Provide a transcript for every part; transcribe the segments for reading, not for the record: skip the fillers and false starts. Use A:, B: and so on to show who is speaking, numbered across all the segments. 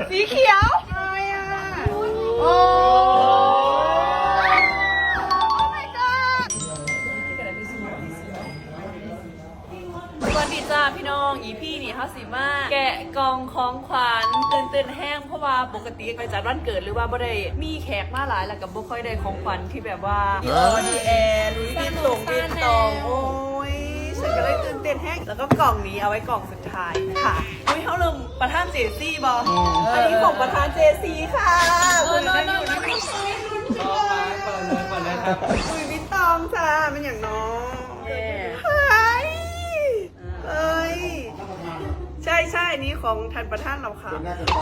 A: สีเขียวอะไรอ่ะโอ้ my god สวัสดีจ้าพี่น้องอีพี่นี่เขาสิมาแกะกล่องของขวัญตื่นแห้งเพราะว่าปกติไปจัดวันเกิดหรือว่าบ่ได้มีแขกมาหลายแล้วกับบ่ค่อยได้ของขวัญที่แบบว่าดีแอร์ลุยวิตตงโอ้ยฉันก็เลยตื่นเต้นแห้งแล้วก็กล่องนี้เอาไว้กล่องสุดท้ายค่ะอุ้ยเขาลืมประธานเจซี่บออันนี้ของประธานเจซี่ค่ะอุ้ยวิตตองจ้าเป็นอย่างน้องเอ้ยใช่อันนี้ของท่านประธานเราค่ะ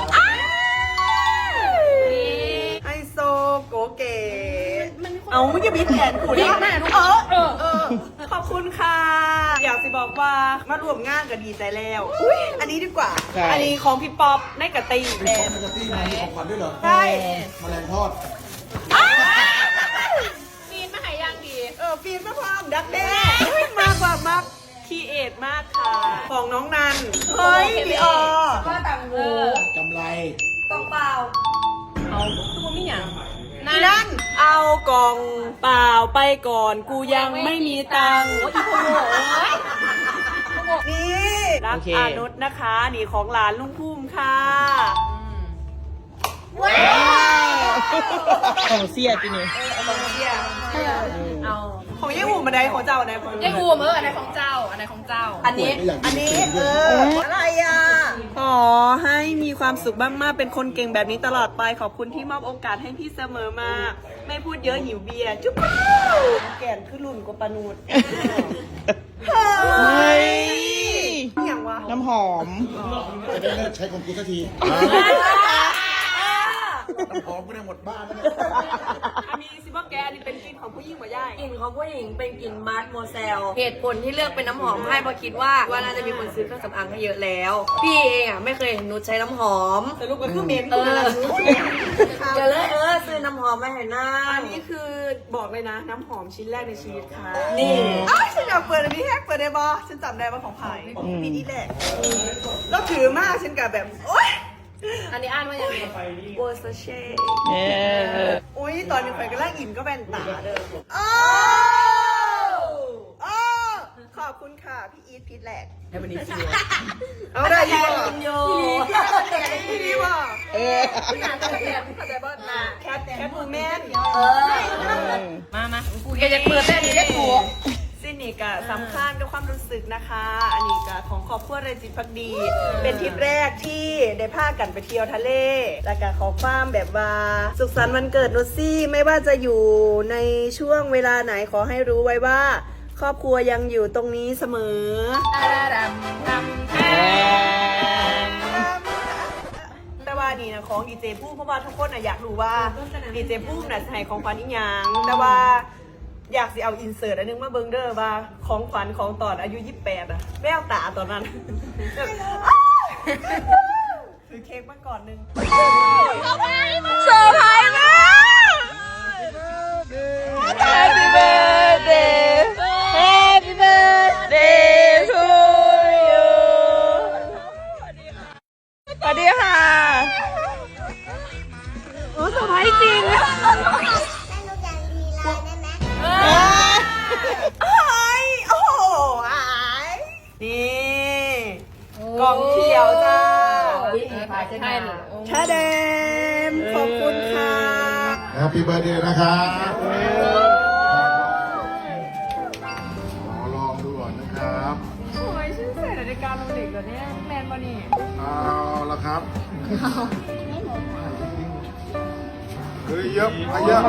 A: ไฮโซโกเก๋เอาไม่จะมีแผนกูได้ขอบคุณค่ะอยากสิบอกว่ามาร่วมงานก็ดีใจแล้วอันนี้ดีกว่าอันนี้ของพี่ป๊อปในกะตีแทน
B: กะตีมีของขวัญด้วยเหรอ
A: ใช่
B: แมลงทอด
A: ฟีนมาหายยังดีฟีนมาพร้อมดักแด้มากกว่ามักคีเอทมากค่ะของน้องนันเฮ้ยพี่อว่าต่างหู
B: กำไร
A: กล่องเปล่าเอาตัวไม่หยังนั่นเอากล่องเปล่าไปก่อนกูยังไม่มีตังค์นี่รักอานุชนะคะนี่ของหลานลุงพุ่มค่ะว้าว
C: ของเสียจีนี่
A: ของเสียเอาของยี่หูมาได้ของเจ้าไหนยี่หูอันไหนของเจ้าอันไหนของเจ้าอันนี้อะไรอ่ะขอให้มีความสุขมากๆเป็นคนเก่งแบบนี้ตลอดไปขอบคุณที่มอบโอกาสให้พี่เสมอมาไม่พูดเยอะหิวเบียร์จุ๊บแก่นขึ้นรุ่นกว่าปานูดเฮ้ยอย่างวะ
C: น้ำหอม
B: จะได้เลิกใช้ของกูสักทีน้ำหอมก็ได้หมดบ้านแล้วเนี่ย
A: อันนี้ซิบอกแกอันนี้เป็นกลิ่นของผู้หญิงกว่าย่าย
D: กลิ่นของผู้หญิงเป็นกลิ่นมาร์ทโมเซลเหตุผลที่เลือกเป็นน้ำหอมให้เพราะคิดว่าน่าจะมีคนซื้อเครื่องสำอางให้เยอะแล้วพี่เองอ่ะไม่เคยเห็นนุชใช้น้ำหอม
A: แต่ลูกก็คือเมน
D: จะเลยซื้อน้ำหอมมาให้น้า
A: อันนี้คือบอกเลยนะน้ำหอมชิ้นแรกในชีวิตค่ะนี่ฉันอยากเปิดอันนี้แฮกเปิดได้บอฉันจำได้ว่าของใครปีนี้แหละแล้วถือมากฉันกับแบบโอ๊ยอันนี้อ่านว่าอย่างไรโบสเช่อุ้ยตอนนี้ใครก็ล่างอิ่มก็แบนตาเด้อขอบคุณค่ะพี่อีทพีทแหลกให้วันนี้ชัวร์เอาได้ยี่ห้อพี่ดีว่าพี่งานจะเรียนเข้าใจบ้างนะแคทบูแมนมากูจะเปิดได้ดีได้กูซินี่ก็สำคัญกับความรู้สึกนะคะอันนี้ก็ของครอบครัวเรจิตพักดีเป็นทริปแรกที่ได้พากันไปเที่ยวทะเลแล้วก็ขอความแบบว่าสุขสันต์วันเกิดนุชซี่ไม่ว่าจะอยู่ในช่วงเวลาไหนขอให้รู้ไว้ว่าครอบครัวยังอยู่ตรงนี้เสมอแต่ว่านี่นะของดีเจพุ่มเพราะว่าทุกคนอยากรู้ว่าดีเจพุ่มน่ะให้ของขวัญอีหยังแต่ว่าอยากสิเอาอินเสิร์ตอันนึงมาเบิ่งเด้อว่าของขวัญของตอนอายุ28อะแววตาตอนนั้นถือเค้กมาก่อนนึงเซอร์ไพรส์มาก Happy birthday Happy birthday to you สวัสดีค่ะโอ้เซอร์ไพรส์จริงโอ้โหนี่กล่องเขียวจ้าชาเดมขอบคุณค่ะ
B: Happy birthday นะครับขอลองดูก่อนนะครับ
A: โอ้ยชื่อใส่นาฬิกาโรเล็กเหรอเนี่ยแมนบอนี่
B: เอาละครับเฮ้ยเยอะเยอะ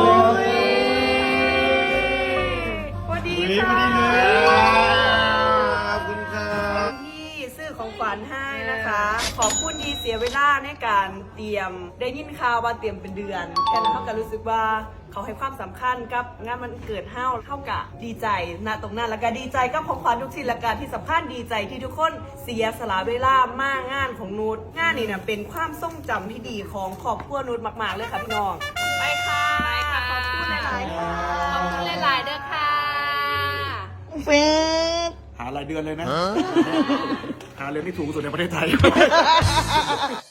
B: สวัสดีค่ะขอบคุณครับที่ซื้อของขวัญให้นะคะขอบคุณที่เสียเวลาในการเตรียมได้ยินข่าวว่าเตรียมเป็นเดือนแค่นั้นเขาก็รู้สึกว่าเขาให้ความสำคัญกับงานมันเกิดเท่ากับดีใจณตรงนั้นแล้วก็ดีใจกับของขวัญทุกสิ่งและการที่สำคัญดีใจที่ทุกคนเสียสละเวลามากงานของนุชงานนี่นะเป็นความทรงจำที่ดีของครอบครัวนุชมากๆเลยค่ะพี่น้องไปค่ะขอบคุณหลายๆค่ะขอบคุณหลายๆเด้อค่ะหารายเดือนเลยนะ หาเรียนที่ถูกสุดในประเทศไทย